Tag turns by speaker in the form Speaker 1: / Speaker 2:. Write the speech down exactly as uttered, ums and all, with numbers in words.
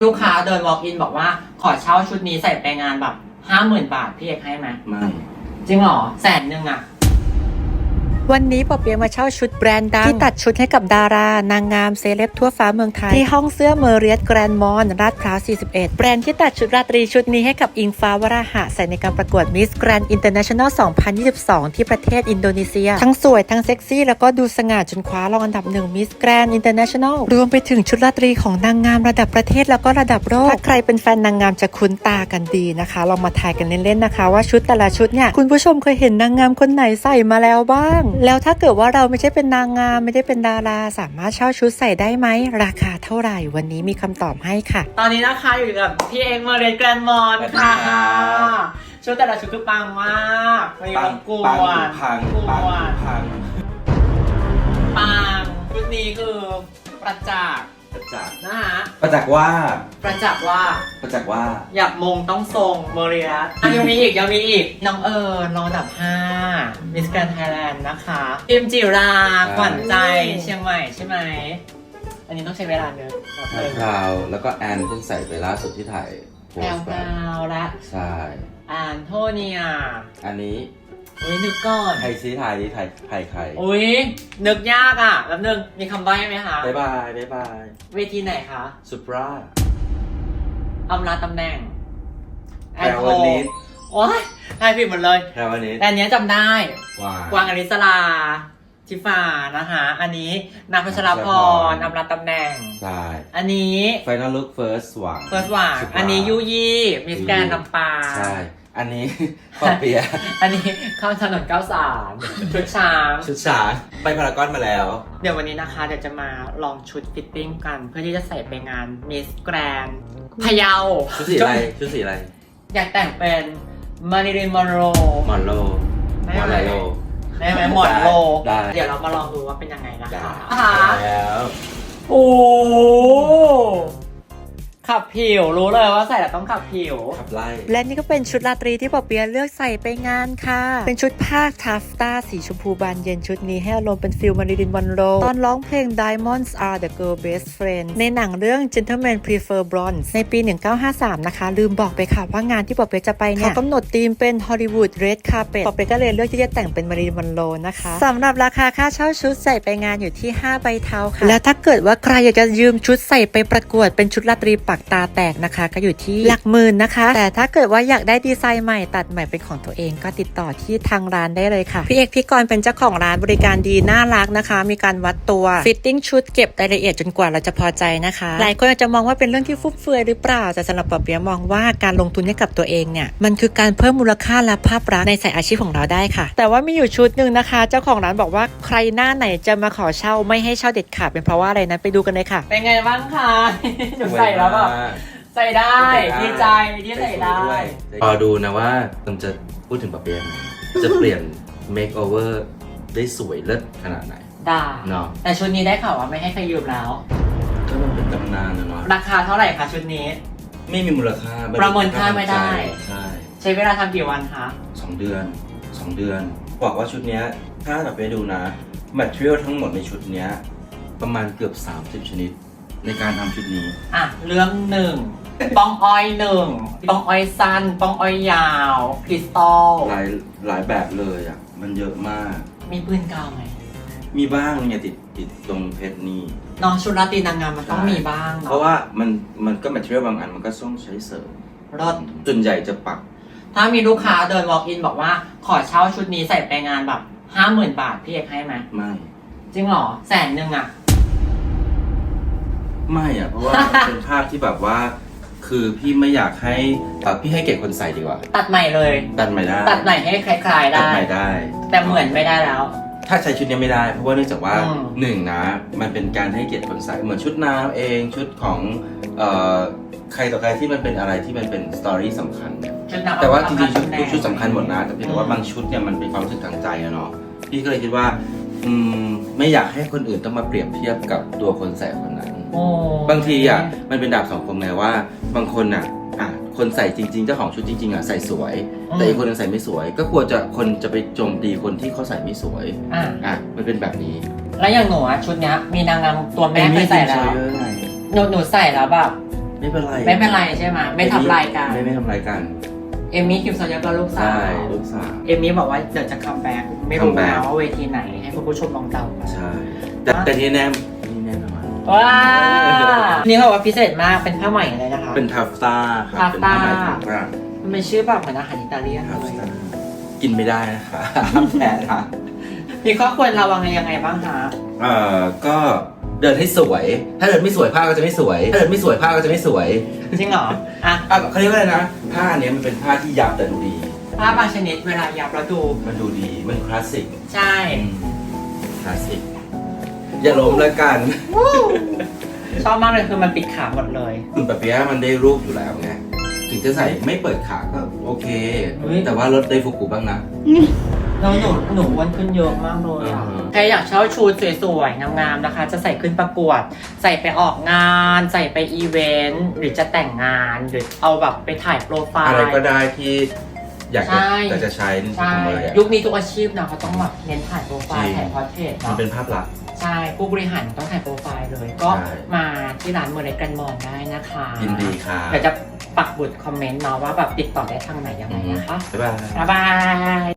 Speaker 1: ลูกค้าเดิน walk in บอกว่าขอเช่าชุดนี้ใส่ไปงานแบบห้าหมื่นบาทพี่เอกให้ไหม
Speaker 2: ไม่
Speaker 1: จริงเหรอแสนหนึ่งอะ
Speaker 3: วันนี้ปอเปียะมาเช่าชุดแบรนด์ดังที่ตัดชุดให้กับดารานางงามเซเลบทั่วฟ้าเมืองไทยที่ห้องเสื้อเมอริเอตแกรนด์มอลล์ลาดพร้าวสี่สิบเอ็ดแบรนด์ที่ตัดชุดราตรีชุดนี้ให้กับอิงฟ้าวราหะใส่ในการประกวด Miss Grand International สองพันยี่สิบสอง ที่ประเทศอินโดนีเซียทั้งสวยทั้งเซ็กซี่แล้วก็ดูสง่าจนคว้ารองอันดับหนึ่ง Miss Grand International รวมไปถึงชุดราตรีของนางงามระดับประเทศแล้วก็ระดับโลกถ้าใครเป็นแฟนนางงามจะคุ้นตากันดีนะคะลองมาทายกันเล่นๆนะคะว่าชุดแต่ละชุดเนี่ยคุณผู้ชมเคยเห็นนางงามคนไหนใส่มาแล้วบ้างแล้วถ้าเกิดว่าเราไม่ใช่เป็นนางงามไม่ได้เป็นดาราสามารถเช่าชุดใส่ได้ไหมราคาเท่าไหร่วันนี้มีคำตอบให้ค่ะ
Speaker 1: ตอนนี้นะคะอยู่กับพี่เอกมาเรียนแกรนด์มอลล์ค่ะชุดแต่ละชุดคือปังมากมี
Speaker 2: ปัง
Speaker 1: กว
Speaker 2: ปัง
Speaker 1: น
Speaker 2: พัง
Speaker 1: กว
Speaker 2: ปัง
Speaker 1: น
Speaker 2: พัง
Speaker 1: ปังชุดนี้คือประจักษ์
Speaker 2: ประจักษ์
Speaker 1: นะฮะ
Speaker 2: ประจักษ์ว่า
Speaker 1: ประจักษ์ว่า
Speaker 2: ประจักษ์ว่า
Speaker 1: อยากมงต้องทรงเมเรียสอ่ะยังมีอีกยังมีอีกน้องเอิญรองอันดับห้ามิสแกรนด์ไทยแลนด์นะคะพิมจิราขวัญใจเชียงใหม่ใช่ไหมอันนี้ต้องใช้เวลาเนอะ
Speaker 2: พราวแล้วก็แอนเพิ่งใส่ไปล่าสุดที่ถ่ายโพ
Speaker 1: แพ
Speaker 2: สต์ไป
Speaker 1: รวๆและ
Speaker 2: ใช่
Speaker 1: แอนโทเนีย
Speaker 2: อันนี้
Speaker 1: อุ้ยนึกก่อน
Speaker 2: ไทยซีไทยไทยไทยใคร
Speaker 1: อุ้ยนึกยากอ่ะแป๊บนึงมีคำใบ้ไหมคะ
Speaker 2: บ๊ายบายบ๊ายบาย
Speaker 1: เวทีไหนคะ
Speaker 2: สุปรา
Speaker 1: อำลาตำแหน่ง
Speaker 2: แพรวนิด
Speaker 1: โอ้ยทายผิดหมดเลย
Speaker 2: แพรวนิด
Speaker 1: แต่อันเนี้ยจำได้
Speaker 2: วาง
Speaker 1: กวางอริสลาทิฟานะคะ อันนี้นางพัชรพรอำลาตำแหน่ง
Speaker 2: ใช่
Speaker 1: อันนี้
Speaker 2: Final Look First หวัง
Speaker 1: เฟิร์สหว่างอันนี้ยูยี่มิสแกรนด์ลำปาง
Speaker 2: ใช่อันนี้ ปอเปียะ
Speaker 1: อันนี้ข้ามถนนเก้าสามชุดช้าง
Speaker 2: ชุดช้างไปพารากอนมาแล้ว
Speaker 1: เดี๋ยววันนี้นะคะเดี๋ยวจะมาลองชุดฟิตติ้งกัน เพื่อที่จะใส่ไปงานมิสแกรนด์พะเยา
Speaker 2: ชุดสีอะไรชุดสีอะไร
Speaker 1: อยากแต่งเป็นมาริลีนมอนโร
Speaker 2: มอนโล
Speaker 1: ได้
Speaker 2: มอน
Speaker 1: ไหม
Speaker 2: โล
Speaker 1: ได้ไหมหมอนโล
Speaker 2: ได้
Speaker 1: เดี๋ยวเรามาลองดูว่าเป็นยังไงนะ
Speaker 2: ได้
Speaker 1: คะ
Speaker 2: แล้ว
Speaker 1: โอ้ขับผิวรู้เลยว่าใส่แล้วต้องขับผิว
Speaker 2: ขับไล่
Speaker 3: และนี่ก็เป็นชุดราตรีที่ปอเปียะเลือกใส่ไปงานค่ะ เป็นชุดผ้าทัฟต้าสีชมพูบานเย็นชุดนี้ให้อารมณ์เป็นฟิลมาริลินมอนโรตอนร้องเพลง Diamonds Are the Girl Best Friend ในหนังเรื่อง Gentlemen Prefer Blondes ในปี หนึ่งเก้าห้าสาม นะคะ ลืมบอกไปค่ะว่างานที่ปอเปียะจะไปเนี่ยเขากำหนดธีมเป็น Hollywood Red Carpet ปอเปียะก็เลยเลือกที่จะแต่งเป็นมาริลินมอนโรนะคะสำหรับราคาค่าเช่าชุดใส่ไปงานอยู่ที่ห้าใบเทาค่ะแล้วถ้าเกิดว่าใครอยากจะยืมชุดใส่ไปประกวดเป็นชุดราตรีปักตาแตกนะคะก็อยู่ที่หลักหมื่นนะคะแต่ถ้าเกิดว่าอยากได้ดีไซน์ใหม่ตัดใหม่เป็นของตัวเองก็ติดต่อที่ทางร้านได้เลยค่ะพี่เอกพี่กรณ์เป็นเจ้าของร้านบริการดีน่ารักนะคะมีการวัดตัวฟิตติ้งชุดเก็บรายละเอียดจนกว่าเราจะพอใจนะคะหลายคนอาจจะมองว่าเป็นเรื่องที่ฟุ่มเฟือยหรือเปล่าแต่สำหรับปอเปียะมองว่าการลงทุนให้กับตัวเองเนี่ยมันคือการเพิ่มมูลค่าและภาพลักษณ์ในสายอาชีพของเราได้ค่ะแต่ว่ามีอยู่ชุดหนึ่งนะคะเจ้าของร้านบอกว่าใครหน้าไหนจะมาขอเช่าไม่ให้เช่าเด็ดขาดเป็นเพราะว่าอะไรนั้นไปดูกันเลยค่ะ
Speaker 1: เป็นไงบ้างคะ หนูใส่แล้วแบบใส่ได้ดีใจที่ใส่ได้
Speaker 2: รอดูนะว่ามันจะพูดถึงปะเปียะไหมจะเปลี่ยน make over ได้สวยเลิศขนาดไหน
Speaker 1: ได้
Speaker 2: เนาะ
Speaker 1: แต่ชุดนี้ได้ข่าวว่าไม่ให้ใครยืมแล้ว
Speaker 2: ก็มันเป็นตำนานนะเนาะ
Speaker 1: ราคาเท่าไหร่คะชุดนี้
Speaker 2: ไม่มีมูลค่า
Speaker 1: ประเมินค่าไม่ได้
Speaker 2: ใช่
Speaker 1: ใช้เวลาทำกี่วันคะ
Speaker 2: สองเดือนสองเดือนบอกว่าชุดเนี้ยถ้าแบบไปดูนะ material ทั้งหมดในชุดเนี้ยประมาณเกือบสามสิบชนิดในการทำชุดนี้
Speaker 1: อ่ะเรื่องหนึ่งปองอ้อยหนึ่งปองอ้อยสั้นปองอ้อยยาวคริสตัล
Speaker 2: หลายหลายแบบเลยอ่ะมันเยอะมาก
Speaker 1: มีปืนกาวไหม
Speaker 2: มีบ้างเนี่ยติดติดตรงเพชรนี่
Speaker 1: น้องชุดราตรีนางงามมันต้องมีบ้าง
Speaker 2: เพ
Speaker 1: เนาะ
Speaker 2: ราะว่ามันมันก็ material บางอันมันก็ต้องใช้เสริม
Speaker 1: รถ
Speaker 2: ส่วนใหญ่จะปัก
Speaker 1: ถ้ามีลูกค้าเดิน walk in บอกว่าขอเช่าชุดนี้ใส่ไปงานแบบห้าหมื่นบาทพี่เอกให้ไหม
Speaker 2: ไม่
Speaker 1: จริงเหรอแสนหนึ่งอ่ะ
Speaker 2: ไม่อ่ะเพราะว่า มันเป็นภาพที่แบบว่า คือพี่ไม่อยากให้เอ่อพี่ให้เกียรติคนใส่ดีกว่า
Speaker 1: ตัดใหม่เลย
Speaker 2: ตัดใหม่ได้
Speaker 1: ตัดใหม่ให้คล้ายๆ
Speaker 2: ตัด
Speaker 1: ได้
Speaker 2: ใหม่ได้
Speaker 1: แต่เหมือนไม่ได้แล้ว
Speaker 2: ถ้าใช้ชุดนี้ไม่ได้ เพราะว่าเนื่องจากว่า
Speaker 1: อืม
Speaker 2: หนึ่งนะมันเป็นการให้เกียรติคนใส่เหมือนชุดน้ำเองชุดของเอ่อใครต่อใครที่มันเป็นอะไรที่มันเป็นสตอรี่สำคัญเนี่ย
Speaker 1: ชุดนาง
Speaker 2: แต่ว่าจริงๆชุด
Speaker 1: ตำแห
Speaker 2: ทุ
Speaker 1: น่
Speaker 2: กชุดสำคัญหมดนะแต่เพียงแต่ว่าบางชุดเนี่ยมันเป็นความรู้สึกทางใจอะเนาะพี่ก็เลยคิดว่าอืมไม่อยากให้คนอื่นต้องมาเปรียบเทียบกับตัวคนใส่คนนั้น
Speaker 1: โอ้
Speaker 2: บางทีอ่ะมันเป็นดาบสองคมไงว่าบางคนอ่ะอ่ะคนใส่จริงๆเจ้าของชุดจริงๆอ่ะใส่สวย แต่อีกคนนึงใส่ไม่สวย ก็กลัวจะคนจะไปโจมตีคนที่เขาใส่ไม่สวย
Speaker 1: อ่ะ
Speaker 2: อ่ะมันเป็นแบบนี้
Speaker 1: แล้วอย่างหนูอะชุดเนี้ยมีนางงามตัวแม่เคยใส่แล้ว
Speaker 2: เอมี่
Speaker 1: หนูหนูใส่แล้วแบบ
Speaker 2: ไม่เป็นไร
Speaker 1: ไม่เป็นไรใช่ไหมไม่ทำลายกัน
Speaker 2: ไม่ไม่ทำลายกัน
Speaker 1: เอมมี่คิมซอยก็ลูกสาว
Speaker 2: ใช่ลูกสาว
Speaker 1: เอมมี่บอกว่าเดี๋ยวจะคัมแบ็กไม่รู้
Speaker 2: comeback
Speaker 1: นะว่าเวทีไหนให้คุณผู้ชมลองเดากัน
Speaker 2: ใช่ แต่แต่ที่แน่นี่แน่นอน
Speaker 1: ว้านี่เขาบอกว่าพิเศษมากเป็นผ้าใหม่เลยนะคะ
Speaker 2: เป็นทัฟต้าครับ
Speaker 1: ทัฟต้า
Speaker 2: เป็นผ้าไหมของฝรั่ง
Speaker 1: มันเป็นชื่อแบบเหมือนอาหารอิตาเลียน
Speaker 2: ทัฟ
Speaker 1: เลย
Speaker 2: ต้ากินไม่ได้นะคะห้ามแพ้ค่ะ
Speaker 1: มีข้อควรระวังยังไงบ้างคะ
Speaker 2: เอ่อก็เดินให้สวย ถ้าเดินไม่สวยผ้าก็จะไม่สวย ถ้าเดินไม่สวยผ้าก็จะไม่สวย
Speaker 1: จริงเหรออ่ะ
Speaker 2: อ่ะเขาเรียกว่าอะไรนะ ผ้าเนี้ยมันเป็นผ้าที่ยับแต่ดูดี
Speaker 1: ผ้าบางชนิดเวลายับแล้วดู
Speaker 2: มันดูดี มันคลาสสิก
Speaker 1: ใช่
Speaker 2: อืมคลาสสิก อย่าล้มแล้วกัน
Speaker 1: ชอบมากเลยคือมันปิดขาหมดเลย
Speaker 2: คุณปะเปียะมันได้รูปอยู่แล้วไง ถึงจะใส่ไม่เปิดขาก็โอเค
Speaker 1: เฮ้ย
Speaker 2: แต่ว่าลดได้ฟุกุบ้างนะ
Speaker 1: แล้วหนูหนูอ้วนขึ้นเยอะมากเลยอะ
Speaker 2: อือฮะ
Speaker 1: ใครอยากเช่าชุดสวยๆงามๆนะคะ จะใส่ขึ้นประกวด ใส่ไปออกงาน ใส่ไปอีเวนต์หรือจะแต่งงานหรือเอาแบบไปถ่ายโปรไฟล์
Speaker 2: อะไรก็ได้ที่อยากจะ
Speaker 1: ใช่
Speaker 2: อยากจะใช้
Speaker 1: ใช่
Speaker 2: ทำเลยอะ
Speaker 1: ยุคนี้ทุกอาชีพนะเขาต้องแบบเน้นถ่ายโปรไฟล์
Speaker 2: จริง
Speaker 1: ถ่ายพอร์เทรต
Speaker 2: มัน
Speaker 1: เนาะ
Speaker 2: เป็นภาพลักษณ์
Speaker 1: ใช่ผู้บริหารต้องถ่ายโปรไฟล์เลย ก็
Speaker 2: ใช่
Speaker 1: มาที่ร้านเมอร์เรกันมอนได้นะคะ
Speaker 2: ยินดีค่ะ
Speaker 1: เดี๋ยวจะปักบุตรคอมเมนต์เนาะว่าแบบติดต่อได้ทางไหนยังไงนะคะ
Speaker 2: บ๊ายบาย
Speaker 1: บ๊ายบาย